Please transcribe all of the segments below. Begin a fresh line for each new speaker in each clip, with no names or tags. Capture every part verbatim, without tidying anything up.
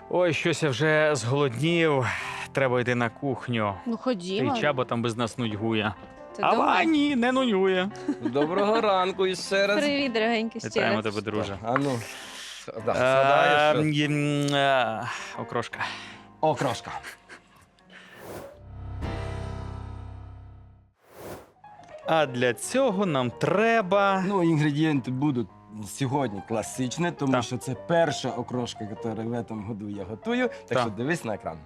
Ой, щось я вже зголоднів. Треба йти на кухню.
Ну,
Та
ходімо.
й Чаба там без нас нудьгує.
Ти
А
думаєш?
ні, не нудьгує.
Доброго ранку і ще раз.
Привіт, дорогенький, ще
Вітаємо
раз.
тебе, друже.
А ну, да,
Е,
згадаєш, що-
м, е, Окрошка.
О, крошка.
А для цього нам треба.
Ну, інгредієнти будуть сьогодні класичні, тому
Так.
що це перша окрошка, яку в цьому году я готую. Так
Так.
що дивись на екран.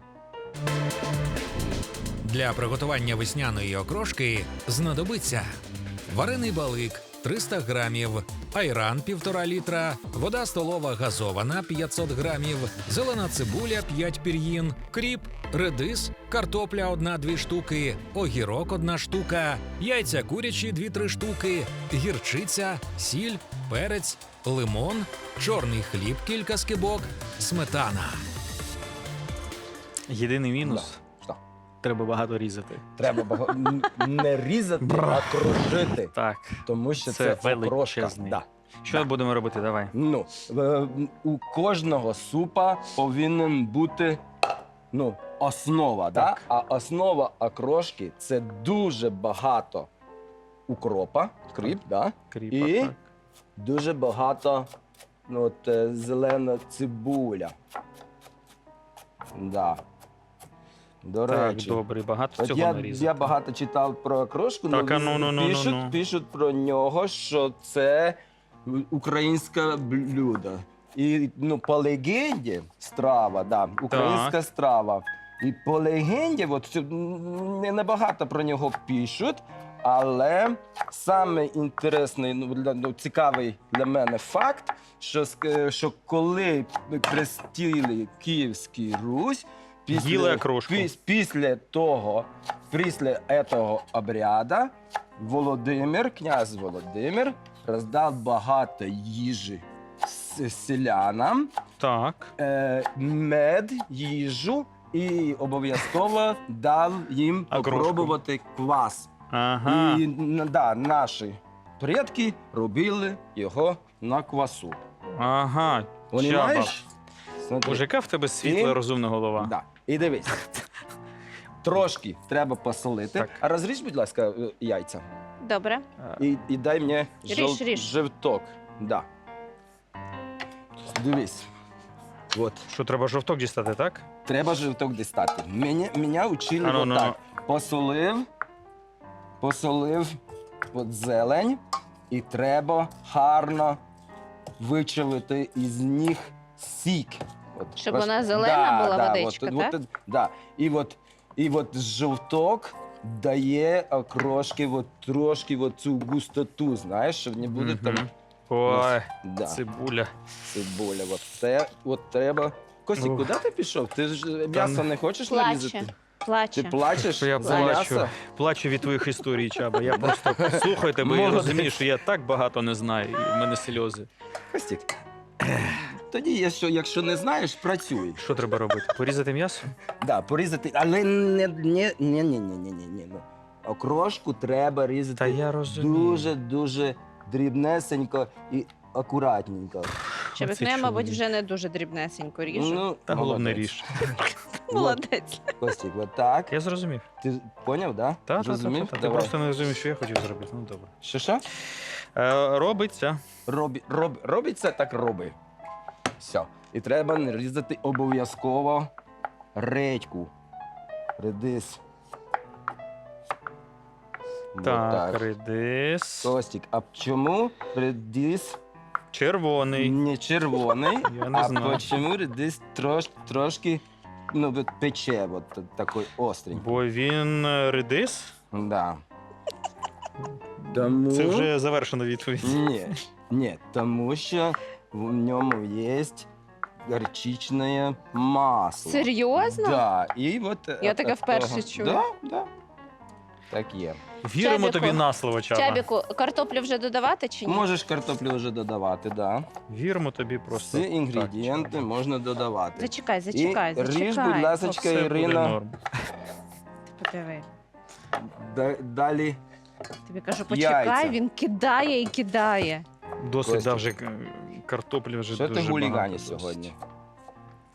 Для приготування весняної окрошки знадобиться варений балик триста грамів, айран півтора літра, вода столова газована п'ятсот грамів, зелена цибуля п'ять пір'їн, кріп, редис, картопля одна-дві штуки, огірок одна штука, яйця курячі дві-три штуки, гірчиця, сіль, перець, лимон, чорний хліб кілька скибок, сметана.
Єдиний мінус.
Що?
Треба багато різати.
Треба бага- н- не різати, а кружити.
Так.
Тому що
Це
це, окрошка.
величезний.
Да.
Що
Да.
будемо робити? Давай.
Ну, е, у кожного супа повинен бути ну, основа. Да?
Так.
А основа окрошки – це дуже багато укропа, кріп, да?
Кріпа,
І
так.
дуже багато ну, от, е, зелена цибуля. Да. До
Так,
речі,
добре, багато
от
цього
я,
нарізати.
я багато читав про окрошку,
Так,
але
а ну, ну, ну,
пишуть,
ну, ну.
пишуть про нього, що це українське блюдо. І ну, по легенді страва, да, українська страва. І по легенді, от, це, м, не набагато про нього пишуть, але саме інтересний, ну, для- ну, цікавий для мене факт, що, ск- що коли хрестили Київську Русь,
Їли окрошку.
піс- після того, після цього обряду Володимир, князь Володимир, роздав багато їжі с- селянам,
Так.
е, мед, їжу і обов'язково дав їм
Окрошку.
попробувати квас.
Ага.
І н- да, наші предки робили його на квасу.
Ага. Чаба.
Понімаєш? Смотри.
Боже, яка в тебе світла,
І-
розумна голова.
Да. І дивись. Трошки треба посолити.
Так.
А розріж, будь ласка, е, яйця.
Добре.
А,
І, і дай мені
Ріж,
жов...
ріж.
жовток. Да. Дивись. От.
Що, треба жовток дістати, так?
Треба жовток дістати. Мене, мене учили
А ну, ну,
отак. Посолив, посолив от зелень, і треба гарно вичавити із них сік. От,
Щоб
роз-
вона зелена була
да,
водичка,
от,
так?
От, да. І от, і от жовток дає окрошки от, трошки от цю густоту, знаєш, щоб не буде там
Мгм. Ой,
да,
цибуля.
цибуля. От це от треба. Костік,
Ух.
куди ти пішов? Ти ж м'ясо не хочеш нарізати?
Плаче.
Ти
Плаче.
плачеш
Я
за
плачу.
м'ясо?
Плачу від твоїх історій, Чаба. Я просто слухаю тебе і
Молодець.
розумію, що я так багато не знаю, і в мене сльози.
Костік. Тоді, якщо, якщо не знаєш, працюй.
Що треба робити? Порізати м'ясо?
Да, порізати, але не, не, не, не, не, не, не, не. Ну, окрошку треба різати
Та я розумію.
дуже-дуже дрібнесенько і акуратненько.
Чебік,
Оце
ну я, мабуть,
чоловік.
вже не дуже дрібнесенько ріжу.
Ну,
Та головне
молодець.
ріж.
Молодець.
Костік, от так.
Я зрозумів.
Ти поняв, да?
Та, та, та,
Зрозумів?
та, та. Ти
Давай.
просто не розумів, що я хотів зробити. Ну добре.
Що, що?
Е, робиться.
Робі, роб, робиться, так роби. Все. І треба нарізати обов'язково редьку. Редис. Вот
Так, редис.
Костік, а чому редис
Червоний.
не червоний,
Я не
а
знаю.
чому редис трош, трошки ну, от пече, от та- такий остренький?
Бо він е, редис.
Да. Тому...
Це вже завершена відповідь.
Ні, ні, тому що в ньому є горчичне масло.
Серйозно?
Да, і от,
Я
от-
таке
от
вперше
того-
чую.
Да, да. Так є.
Віримо
Чабіку.
тобі на слово, Чаба.
Чабіку, картоплю вже додавати чи ні?
Можеш картоплю вже додавати, да.
Віримо тобі просто.
Всі інгредієнти
Так,
можна додавати.
Зачекай, зачекай,
І
зачекай.
ріж, будь ласка,
Все буде
Ірина.
норм.
Подиви.
Да- Далі
Тобі кажу, почекай,
Яйця.
він кидає і кидає.
Досить
Костя.
дав вже е, картоплі вже
що
дуже
ти гуліганиш
багато досить.
сьогодні?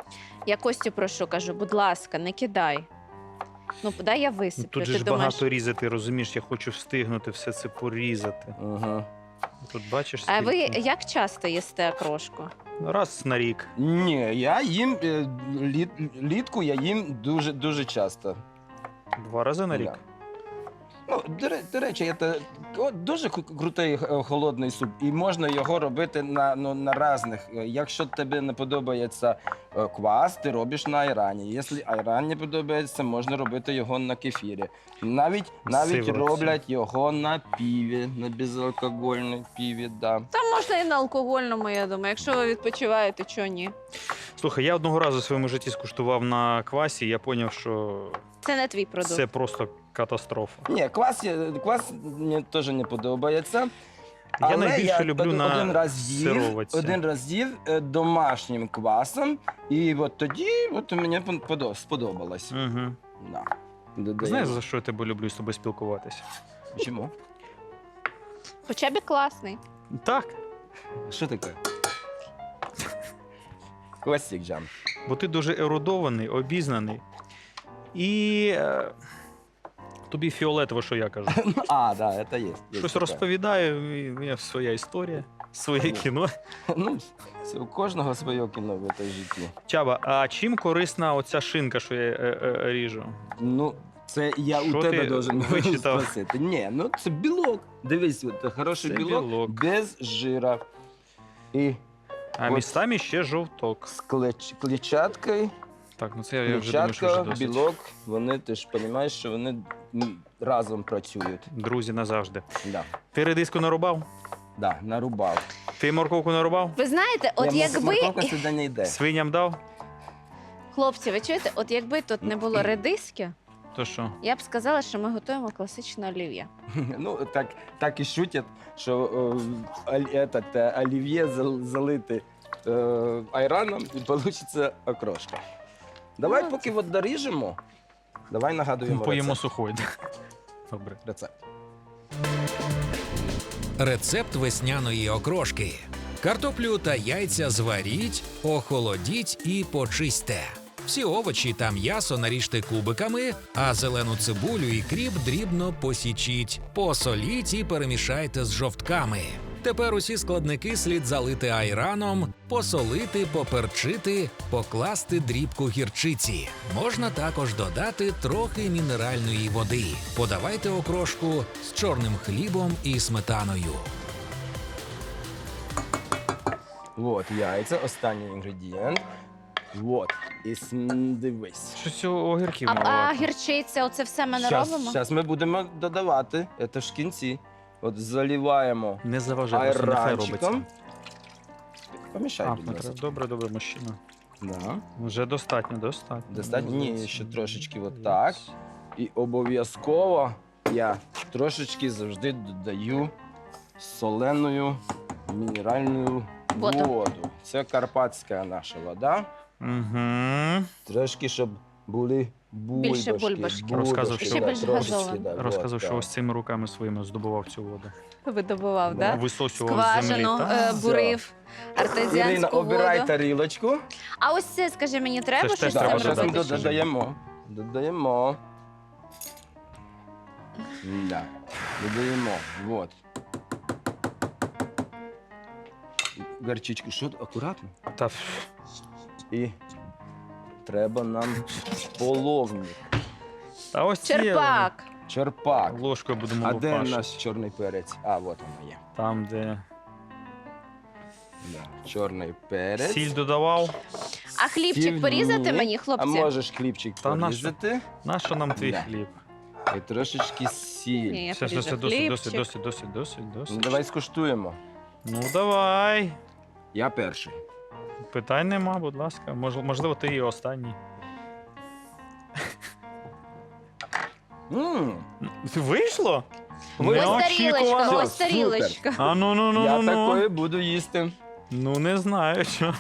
Я Костю прошу, кажу, будь ласка, не кидай. Ну, дай я
Ну,
висиплю.
тут же
Ти
ж
думаєш,
багато різати, розумієш, я хочу встигнути все це порізати.
Угу.
Тут бачиш,
а ви
скільки?
як часто їсте окрошку?
Раз на рік.
Ні, я їм е, літ, літку я їм дуже дуже часто.
Два рази на рік.
Да. Ну, до, ре- до речі, це о, дуже кру- крутий е, холодний суп, і можна його робити на, ну, на різних. Е, Якщо тобі не подобається е, квас, ти робиш на айрані. Якщо айран не подобається, можна робити його на кефірі. Навіть, навіть
Сиворотці.
роблять його на піві, на безалкогольній піві. Да.
Там можна і на алкогольному, я думаю. Якщо ви відпочиваєте, чого ні?
Слухай, я одного разу в своєму житті скуштував на квасі, я зрозумів, що
Це не твій продукт.
це просто катастрофа.
Ні, квас, є- квас мені теж не подобається.
Я
Але
найбільше люблю
од-
на
один раз їв,
сироватці.
один раз їв е, домашнім квасом, і от тоді от мені пон- подо- сподобалось.
Угу.
Да. Додаємо.
Знаєш, за що я тебе люблю з тобою спілкуватися?
Чому?
Хоча б і класний.
Так,
Що таке? Костік Джам.
бо ти дуже ерудований, обізнаний. І е, тобі фіолетово, що я кажу.
А, да, це є. є
Щось
таке.
розповідаю, і в мене своя історія, своє кіно.
Ну, це у кожного своє кіно в цій житті.
Чаба, а чим корисна оця шинка, що я е, е, ріжу?
Ну, це я
Що
у тебе
ти
должен
вичитав?
спросити. Ні, ну це білок. Дивись, от, хороший
Це
білок,
білок.
без жира. І
А
От.
містами ще жовток.
з клеч- клетчаткою.
Так, ну це я вже думаю, що вже
Клетчатка,
досить.
білок, вони ти ж розумієш, що вони м, разом працюють.
Друзі, назавжди.
Да.
Ти редиску нарубав?
Да, нарубав.
Ти морковку нарубав?
Ви знаєте, от
Я
якби
морковка сюди не йде.
Свиням дав?
хлопці, ви чуєте, от якби тут не було редиски,
То що?
я б сказала, що ми готуємо класичне олів'є.
Ну, так, так і шутять, що е, оль- этот, е, олів'є зал- залити е, айраном і вийде окрошка. Давай
Ну,
поки от доріжемо, давай нагадуємо
Поїмо
рецепт.
сухой. Добре.
рецепт.
Рецепт весняної окрошки. Картоплю та яйця зваріть, охолодіть і почистьте. Всі овочі та м'ясо наріжте кубиками, а зелену цибулю і кріп дрібно посічіть, посоліть і перемішайте з жовтками. Тепер усі складники слід залити айраном, посолити, поперчити, покласти дрібку гірчиці. Можна також додати трохи мінеральної води. Подавайте окрошку з чорним хлібом і сметаною.
От, яйця, останній інгредієнт. От, і см- дивись.
Щось огірків
А, а
маловато.
гірчиця, оце все ми не
Зараз
робимо?
ми будемо додавати, це ж в кінці. От заливаємо
Не заважай, просто нехай робиться.
айранчиком. Помішай,
А,
будь
не треба.
ласка.
Добре, добре, мужчина.
Да.
Вже достатньо, достатньо.
Достатньо? Ні,
Молодець.
ще трошечки отак. І обов'язково я трошечки завжди додаю соленою мінеральну
Воду.
воду. Це карпатська наша вода.
Угу.
Трошки, щоб були бульбашки.
Більше бульбашки.
Розказував, що-
Ще більш
трошечки,
газовано.
да,
Розказав,
от,
що
так.
ось цими руками своїми здобував цю воду.
Видобував,
Да.
так?
Висосював з землі.
Скважину,
Та?
е, бурив,
Ірина,
артезіанську
обирай
воду.
тарілочку.
А ось це, скажи мені, треба
ж теж
щось з
треба
цим
Так, зараз ми
робити.
робити?
додаємо. Додаємо. Да. Додаємо. Вот. Гарчичку, що акуратно.
Та,
І треба нам половник.
та ось ці
Черпак.
Черпак.
ложкою будемо
А де
лупашити.
наш чорний перець? А, от воно є.
Там, де
Да. Чорний перець.
сіль додавав.
А хлібчик
Сіль
порізати
ні.
мені,
А
хлопці?
можеш хлібчик
Та на що?
порізати.
Нащо нам твій
Да.
хліб?
І трошечки сіль.
Ні, я
Все, все, все,
поріжу
досить,
хлібчик.
досить, досить, досить, досить,
Ну,
досить.
давай скуштуємо.
Ну, давай.
Я перший.
Питань нема, будь ласка. Мож, можливо, ти і останній.
М,
Вийшло?
Ви-
Ось тарілочка,
Неочікувано.
ось тарілочка.
А ну, ну, ну,
Я
ну, ну.
такої буду їсти.
Ну, не знаю, що.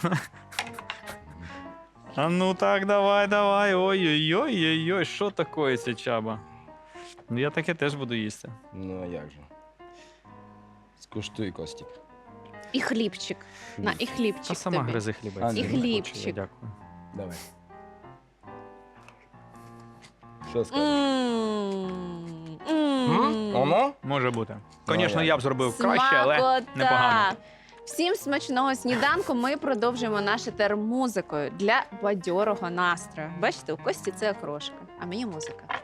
А ну так, давай, давай. Ой-ой-ой-ой-ой, що таке ця чаба? Ну, я таке теж буду їсти.
Ну, а як же? Скуштуй, Костік.
І хлібчик. На, і
Та
хлібчик
сама
тобі.
гризи хліба.
А,
я
ні.
не хочу, я
хлібчик.
Дякую.
Давай. Що скажеш?
М,
М?
м.
Воно?
Може бути.
Ну,
Звісно,
як?
я б зробив краще, але
Смакота!
непогано.
Всім смачного сніданку. Ми продовжуємо наш етер музикою для бадьорого настрою. Бачите, у Кості це окрошка, а мені музика.